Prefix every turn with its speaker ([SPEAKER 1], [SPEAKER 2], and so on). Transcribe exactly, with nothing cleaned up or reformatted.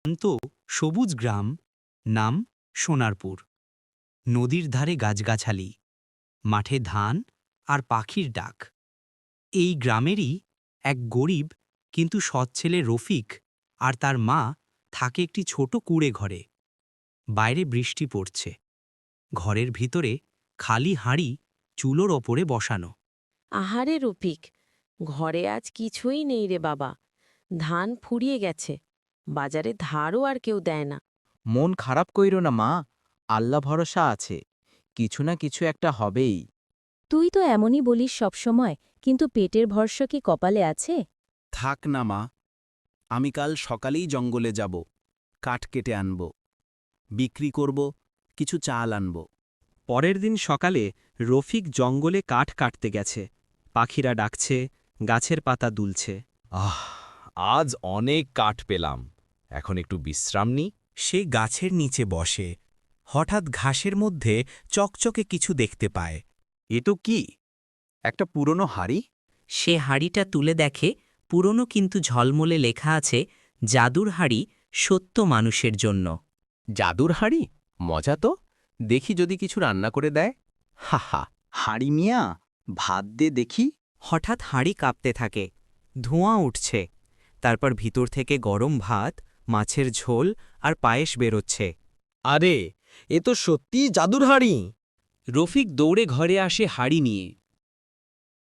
[SPEAKER 1] শান্ত সবুজ গ্রাম, নাম সোনারপুর। নদীর ধারে গাছগাছালি, মাঠে ধান আর পাখির ডাক। এই গ্রামেরই এক গরিব কিন্তু সৎ ছেলে রফিক আর তার মা থাকে একটি ছোট কুঁড়ে ঘরে। বাইরে বৃষ্টি পড়ছে, ঘরের ভিতরে খালি হাঁড়ি চুলোর ওপরে বসানো।
[SPEAKER 2] আহারে রফিক, ঘরে আজ কিছুই নেই রে বাবা। ধান ফুরিয়ে গেছে, বাজারে ধারও আর কেউ দেয় না।
[SPEAKER 3] মন খারাপ কইরো না মা, আল্লাহ ভরসা আছে, কিছু না কিছু একটা হবেই।
[SPEAKER 4] তুই তো এমনই বলিস সবসময়, কিন্তু পেটের ভরসা কি কপালে আছে?
[SPEAKER 5] থাক না মা, আমি কাল সকালেই জঙ্গলে যাব, কাঠ কেটে আনব, বিক্রি করব, কিছু চাল আনব।
[SPEAKER 6] পরের দিন সকালে রফিক জঙ্গলে কাঠ কাটতে গেছে। পাখিরা ডাকছে, গাছের পাতা দুলছে।
[SPEAKER 7] আহ, আজ অনেক কাঠ পেলাম, এখন একটু বিশ্রাম নিই।
[SPEAKER 1] সে গাছের নিচে বসে, হঠাৎ ঘাসের মধ্যে চকচকে কিছু দেখতে পায়।
[SPEAKER 5] এ তো কি, একটা পুরনো হাড়ি?
[SPEAKER 8] সে হাড়িটা তুলে দেখে, পুরনো কিন্তু ঝলমলে লেখা আছে, জাদুর হাড়ি সত্য মানুষের জন্য।
[SPEAKER 7] জাদুর হাঁড়ি, মজা তো, দেখি যদি কিছু রান্না করে দেয়। হা হা।
[SPEAKER 3] হাড়ি মিয়া, ভাত দে দেখি।
[SPEAKER 8] হঠাৎ হাঁড়ি কাঁপতে থাকে, ধোঁয়া উঠছে, তারপর ভিতর থেকে গরম ভাত, মাছের ঝোল আর পায়েস বেরোচ্ছে।
[SPEAKER 7] আরে, এ তো সত্যিই জাদুর হাঁড়ি।
[SPEAKER 9] রফিক দৌড়ে ঘরে আসে হাড়ি নিয়ে।